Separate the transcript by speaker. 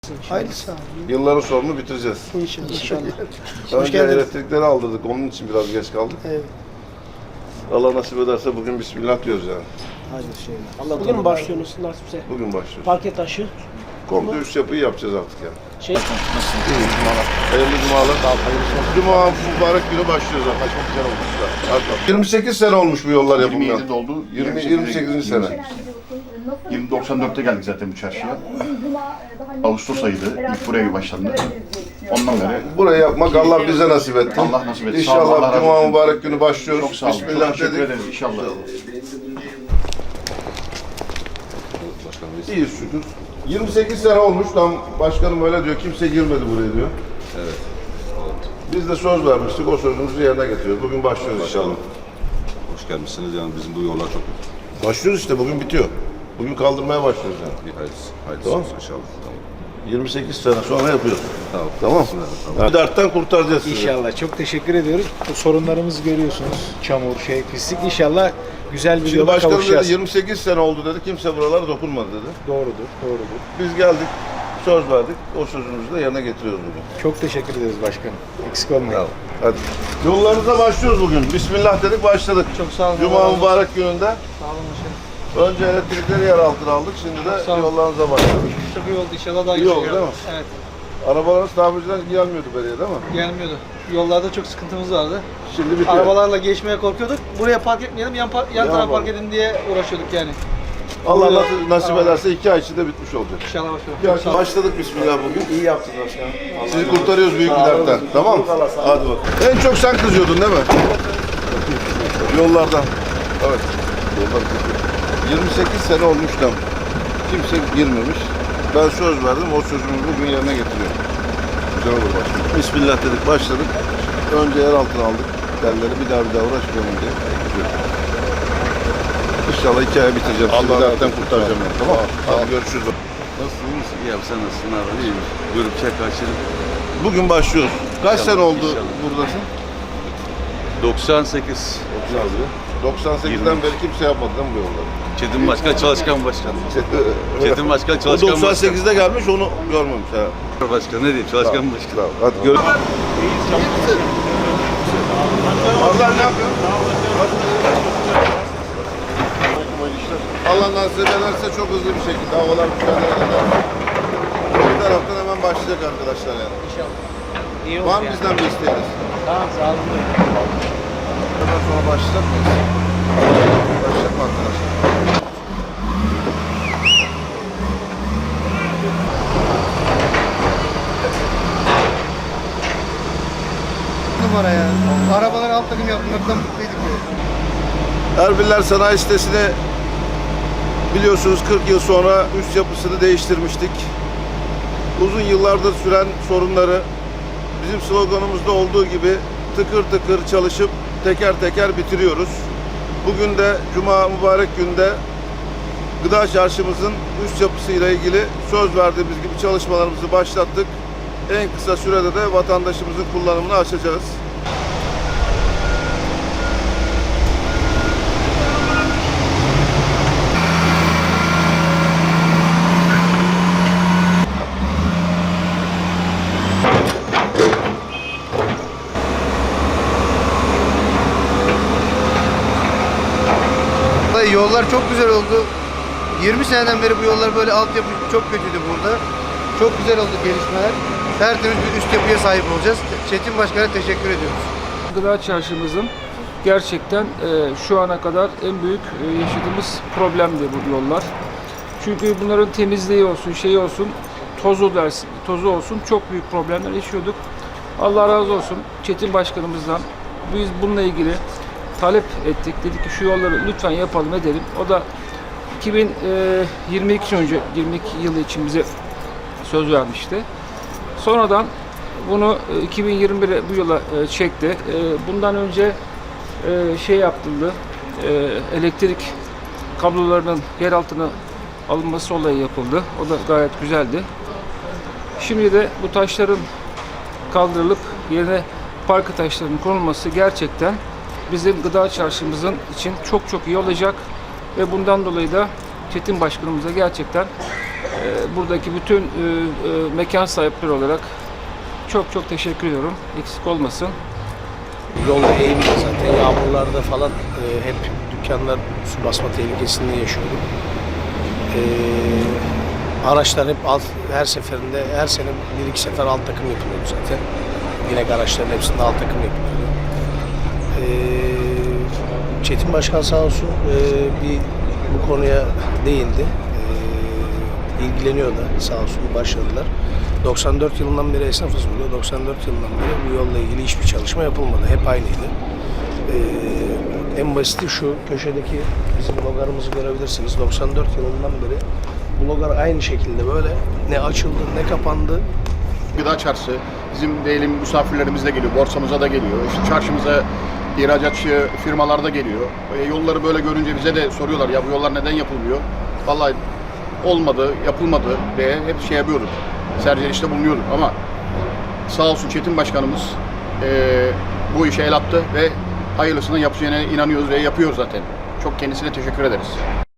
Speaker 1: Hayırlısı abi.
Speaker 2: Yılların sorunu bitireceğiz.
Speaker 1: İnşallah. Hoş
Speaker 2: Önce
Speaker 1: geldiniz.
Speaker 2: elektrikleri aldırdık. Onun için biraz geç kaldık.
Speaker 1: Evet.
Speaker 2: Allah nasip ederse bugün bismillah diyoruz yani.
Speaker 1: Hadi şey. Bugün mü başlıyorsunuz nasipse?
Speaker 2: Bugün başlıyoruz.
Speaker 1: Parke taşı.
Speaker 2: Komple üst yapıyı yapacağız artık yani.
Speaker 1: Şey.
Speaker 2: Hayırlı cumalar. Cuma mübarek günü başlıyoruz artık. Çok güzel olmuş. 28 sene olmuş bu yollar yapılmayan.
Speaker 3: 27 oldu.
Speaker 2: 28. sene.
Speaker 3: 94'te geldik zaten bu çarşıya. Ağustos ayıydı. İlk buraya başlandı. Ondan beri
Speaker 2: Burayı yapmak Allah bize nasip etti.
Speaker 3: Allah nasip etti. Sağ olun, Allah
Speaker 2: İnşallah
Speaker 3: razı
Speaker 2: Cuma
Speaker 3: olsun.
Speaker 2: mübarek günü başlıyoruz.
Speaker 3: Çok sağ olun.
Speaker 2: Bismillah
Speaker 3: Çok teşekkür
Speaker 2: dedik.
Speaker 3: ederiz inşallah.
Speaker 2: İyiyiz şükür. 28 sene olmuş lan başkanım öyle diyor. Kimse girmedi buraya diyor.
Speaker 4: Evet.
Speaker 2: Biz de söz vermiştik. O sözümüzü yerine getiriyoruz. Bugün başlıyoruz inşallah.
Speaker 4: Hoş gelmişsiniz. Yani bizim bu yollar çok
Speaker 2: Başlıyoruz işte. Bugün bitiyor. Bugün kaldırmaya başlıyoruz yani.
Speaker 4: bir hayırlısı
Speaker 2: Tamam.
Speaker 4: olsun inşallah. Tamam.
Speaker 2: 28 sene sonra yapıyoruz.
Speaker 4: Tamam.
Speaker 2: Tamam.
Speaker 4: Tamam.
Speaker 2: Bir dertten kurtaracağız sizi.
Speaker 5: İnşallah. Çok teşekkür ediyoruz. Bu sorunlarımızı görüyorsunuz. Çamur, pislik. İnşallah güzel bir
Speaker 2: Şimdi
Speaker 5: yola
Speaker 2: başkanım
Speaker 5: kavuşacağız.
Speaker 2: dedi 28 sene oldu dedi. Kimse buralara dokunmadı dedi.
Speaker 5: Doğrudur, doğrudur.
Speaker 2: Biz geldik. Söz verdik. O sözümüzü de yerine getiriyoruz bugün.
Speaker 5: Çok teşekkür ederiz başkanım. Eksik olmayın.
Speaker 4: Tamam.
Speaker 2: Hadi. Yollarınıza başlıyoruz bugün. Bismillah dedik başladık.
Speaker 1: Çok sağ olun.
Speaker 2: Cuma mübarek gününde.
Speaker 1: Sağ olun başkanım.
Speaker 2: Önce elektrikleri yer altına aldık. Şimdi de yollarınıza başladık.
Speaker 1: Çok iyi oldu inşallah daha
Speaker 2: İyi oldu değil mi?
Speaker 1: Evet.
Speaker 2: Arabalarınız tamirciden gelmiyordu beriye değil mi?
Speaker 1: Gelmiyordu. Yollarda çok sıkıntımız vardı.
Speaker 2: Şimdi bitiyor.
Speaker 1: Arabalarla geçmeye korkuyorduk. Buraya park etmeyelim, yan tarafa
Speaker 2: yapalım.
Speaker 1: park edin diye uğraşıyorduk yani.
Speaker 2: Allah nasip ederse 2 ay içinde bitmiş olacak.
Speaker 1: İnşallah başkanım.
Speaker 2: Başladık bismillah bugün. İyi yaptınız başkanım. Sizi kurtarıyoruz büyük bir dertten. Tamam mı? Hadi bak. En çok sen kızıyordun değil mi? Yollardan. Evet. Yollar kızıyor. 28 sene olmuş tam. Kimse girmemiş. Ben söz verdim. O sözümü bugün yerine getiriyorum. Güzel olur başkanım. Bismillah dedik başladık. Önce yer altına aldık. Telleri bir daha uğraşmayalım diye. İnşallah 2 aya bitireceğim. Sizi dertten kurtaracağım. Yani. Tamam. Hadi görüşürüz.
Speaker 4: Nasılsınız? İyi abi sen nasılsın abi? İyiyim. Görüp çek kaçırım.
Speaker 2: Bugün başlıyoruz. Kaç
Speaker 4: İnşallah,
Speaker 2: sene oldu
Speaker 4: inşallah.
Speaker 2: buradasın?
Speaker 4: 98.
Speaker 2: 98'den beri kimse yapmadı değil mi bu yolları?
Speaker 4: Çetin Başkan, Çalışkan Başkan. Çetin Başkan,
Speaker 2: O
Speaker 4: Çalışkan Başkan.
Speaker 2: 98'de gelmiş onu görmemiş ha.
Speaker 4: Başkan ne diyeyim? Çalışkan Başkan.
Speaker 2: Tamam. Hadi gör. Allah ne yapıyor? Allah nasip ederse çok hızlı bir şekilde havalar müsaade eder. Bir taraftan hemen başlayacak arkadaşlar yani.
Speaker 1: İnşallah. İyi
Speaker 2: Var mı bizden bir isteğiniz?
Speaker 1: Tamam sağ olun.
Speaker 2: Hemen sonra başlayacak mıyız? Başlayacak mı arkadaşlar?
Speaker 6: Numara ya. Arabalar alt takım yapmaktan mutluyduk ya.
Speaker 2: Erbiller Sanayi Sitesi'ne biliyorsunuz 40 yıl sonra üst yapısını değiştirmiştik. Uzun yıllardır süren sorunları bizim sloganımızda olduğu gibi tıkır tıkır çalışıp teker teker bitiriyoruz. Bugün de Cuma mübarek günde Gıda Çarşımızın üst yapısıyla ilgili söz verdiğimiz gibi çalışmalarımızı başlattık. En kısa sürede de vatandaşımızın kullanımını açacağız.
Speaker 6: Vallahi yollar çok güzel oldu. 20 seneden beri bu yollar böyle altyapı çok kötüydü burada. Çok güzel oldu gelişmeler. Tertemiz bir üst yapıya sahip olacağız. Çetin Başkan'a teşekkür ediyoruz.
Speaker 7: Gıda Çarşımızın gerçekten şu ana kadar en büyük yaşadığımız problemdi bu yollar. Çünkü bunların temizliği olsun, şeyi olsun, tozu olsun çok büyük problemler yaşıyorduk. Allah razı olsun Çetin Başkanımızdan biz bununla ilgili talep ettik. Dedik ki şu yolları lütfen yapalım edelim. O da 2022 yılı için bize söz vermişti. Sonradan bunu 2021'e bu yola çekti. Bundan önce şey yapıldı. Elektrik kablolarının yer altına alınması olayı yapıldı. O da gayet güzeldi. Şimdi de bu taşların kaldırılıp yerine parke taşlarının konulması gerçekten bizim gıda çarşımızın için çok çok iyi olacak ve bundan dolayı da Çetin Başkanımıza gerçekten Buradaki bütün mekan sahipleri olarak çok teşekkür ediyorum. Eksik olmasın.
Speaker 8: Yolda eğimli zaten. Yağmurlarda falan hep dükkanlar su basma tehlikesinde yaşıyorduk. Araçlar hep her seferinde, her sene 1-2 sefer alt takım yapılıyordu zaten. Yine araçların hepsinde alt takım yapılıyordu. Çetin Başkan sağ olsun bu konuya değindi. İlgileniyor da sağ olsun, başladılar. 94 yılından beri esnafız burada. 94 yılından beri bu yolla ilgili hiçbir çalışma yapılmadı. Hep aynıydı. En basiti şu köşedeki bizim logarımızı görebilirsiniz. 94 yılından beri bu logar aynı şekilde böyle ne açıldı ne kapandı.
Speaker 3: Gıda çarşısı, bizim diyelim misafirlerimiz de geliyor, borsamıza da geliyor, işte çarşımıza ihracatçı firmalar da geliyor. Yolları böyle görünce bize de soruyorlar, ya bu yollar neden yapılmıyor? Vallahi olmadı, yapılmadı diye hep şey yapıyorduk, serzenişte bulunuyorduk ama sağ olsun Çetin Başkanımız bu işe el attı ve hayırlısını yapacağına inanıyoruz ve yapıyor zaten. Çok kendisine teşekkür ederiz.